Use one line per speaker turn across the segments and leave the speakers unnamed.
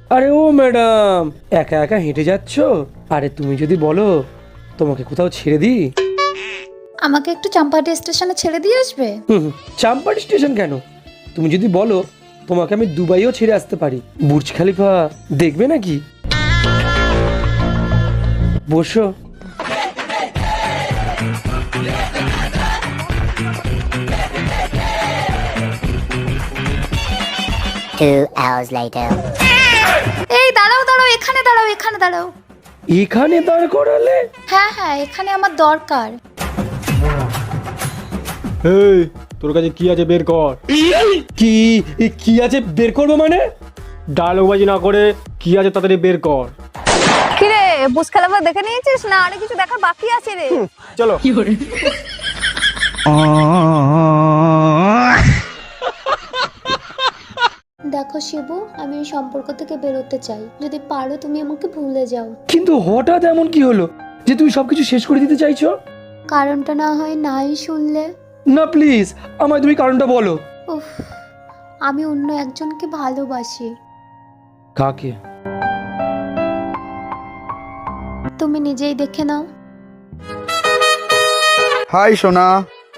আরে ও ম্যাডাম, একা একা হেঁটে যাচ্ছ? আরে তুমি যদি বলো তোমাকে কোথাও ছেড়ে দিই।
আমাকে একটু চাম্পাহাটি স্টেশনে ছেড়ে দিয়ে আসবে?
চাম্পাহাটি স্টেশন কেন, তুমি যদি বলো তোমাকে আমি দুবাইও ছেড়ে আসতে পারি। বুর্জ খলিফা দেখবে নাকি? বসো।
2 hours later.
এই দাঁড়াও দাঁড়াও, এখানে দাঁড়াও, এখানে দাঁড়াও।
এখানে দাঁড় করালে?
হ্যাঁ হ্যাঁ, এখানে আমার দরকার।
এই তোর কাছে কি আছে বের কর।
কি কি আছে বের করবো মানে?
ডায়লগ বাজি না করে কি আছে তাড়াতাড়ি বের কর।
কি রে, বুঝ খেলাফা দেখে নিয়েছিস না আরে কিছু দেখার বাকি আছে রে?
চলো।
দেখো শিবু, আমি এই সম্পর্ক থেকে বেরোতে চাই। যদি পারো তুমি আমাকে ভুলে যাও।
কিন্তু হঠাৎ এমন কি হলো যে তুমি সবকিছু শেষ করে দিতে চাইছো?
কারণটা না হয় নাই শুনলে?
না প্লিজ, আমায় তুমি কারণটা বলো।
উফ, আমি অন্য একজনকে ভালোবাসি।
কাকে?
তুমি নিজেই দেখে নাও।
হাই সোনা।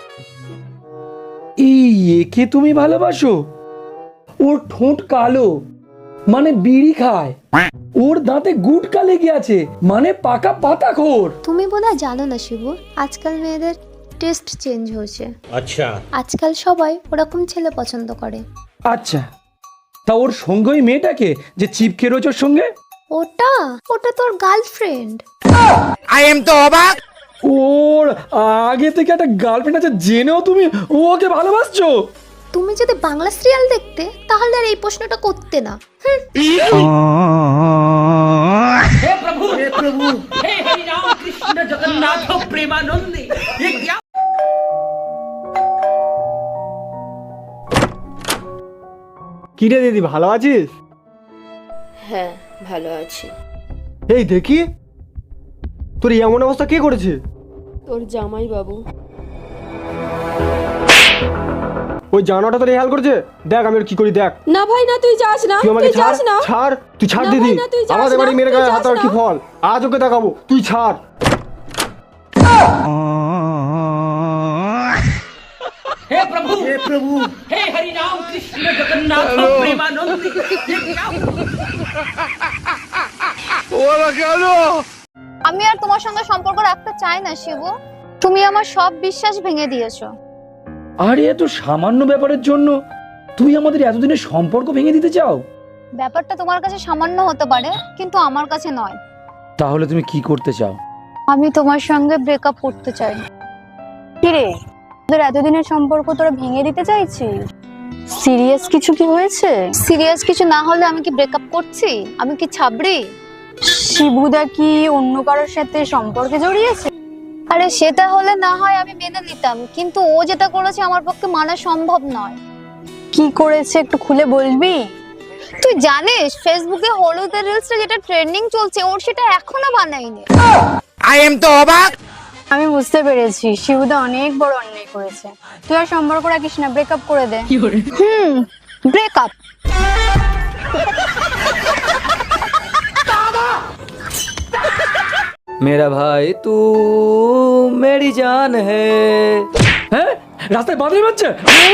এই একে তুমি ভালোবাসো? ওর ঠোঁট কালো মানে বিড়ি খায়, ওর দাঁতে গুটকা লেগে আছে মানে পাকা পাতাখোর।
তুমি বোধহয় জানো না শিবু, আজকাল মেয়েদের টেস্ট চেঞ্জ হয়েছে। আচ্ছা, আজকাল সবাই ওরকম ছেলে পছন্দ করে।
আচ্ছা, তা ওর সঙ্গে ওই মেয়েটাকে যে চিপকে রয়েছে ওর সঙ্গে?
ওটা ওটা তোর গার্লফ্রেন্ড।
ওর আগে থেকে একটা গার্লফ্রেন্ড আছে জেনেও তুমি ওকে ভালোবাসছো?
তুমি যদি বাংলা সিরিয়াল দেখতে তাহলে আর এই প্রশ্নটা করতে না।
কি রে দিদি, ভালো আছিস?
হ্যাঁ ভালো আছি।
এই দেখি তোর এমন অবস্থা কে করেছে?
তোর জামাই বাবু।
ওই জানোয়ারটা তোর এই হাল করেছে, দেখ আমি ওর কি করি দেখ।
না ভাই না, তুই যাস না,
তুই আমাকে
তুই
ছাড়,
যাস না।
ছাড়, তুই ছাড়
না
দিদি।
ভাই না, তুই যাস
আমাদের
না,
বাড়ি মেরে
তুই
গায়ে
যাস
হাত আর
না।
কি ফল, আজ ওকে দেখাবো, তুই ছাড়।
আমি আর তোমার সঙ্গে সম্পর্ক রাখতে চাই না শিবু। তুমি আমার সব বিশ্বাস ভেঙে দিয়েছো।
আরে এত সামান্য ব্যাপারের জন্য তুমি আমাদের এতদিনের সম্পর্ক ভেঙে দিতে চাও?
ব্যাপারটা তোমার কাছে সামান্য হতে পারে, কিন্তু আমার কাছে নয়।
তাহলে তুমি কি করতে চাও?
আমি তোমার সঙ্গে ব্রেকআপ করতে চাই। কি রে, তোদের এতদিনের সম্পর্ক তোরা ভেঙে দিতে চাইছিস? সিরিয়াস কিছু কি হয়েছে? সিরিয়াস কিছু না হলে আমি কি ব্রেকআপ করছি? আমি কি ছাবড়ি? শিবুদা কি অন্য কারোর সাথে সম্পর্কে জড়িয়েছে? আরে সেটা হলে না হয় আমি মেনে নিতাম, কিন্তু ও যেটা করেছে আমার পক্ষে মানা সম্ভব নয়। কি করেছে একটু খুলে বলবি? তুই জানিস ফেসবুকে হলুদের রিলসটা যেটা ট্রেন্ডিং চলছে, ওর সেটা এখনো বানায়নি। আমি বুঝতে পেরেছি শিবুদা অনেক বড় অন্যায় করেছে। তুই আর সম্পর্ক রাখিস না, ব্রেকআপ করে দে। ব্রেকআপ।
मेरा भाई तू मेरी जान है।
হ্যাঁ, রাস্তায় বাদল বাজছে।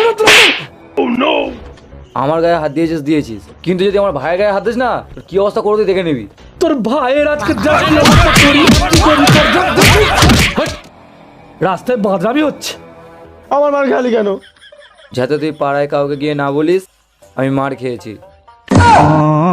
আমার গায়ে হাত দিয়েছিস, কিন্তু যদি আমার ভাইয়ের গায়ে হাত দিস না তোর কি অবস্থা করে তুই দেখে নিবি।
তোর ভাইয়ের আজকে দেখ কি অবস্থা করি, কি করি, হাট। রাস্তায় বাদরামি হচ্ছে।
আমার মার খালি কেন?
যাতে তুই পাড়ায় কাউকে গিয়ে না বলিস আমি মার খেয়েছি।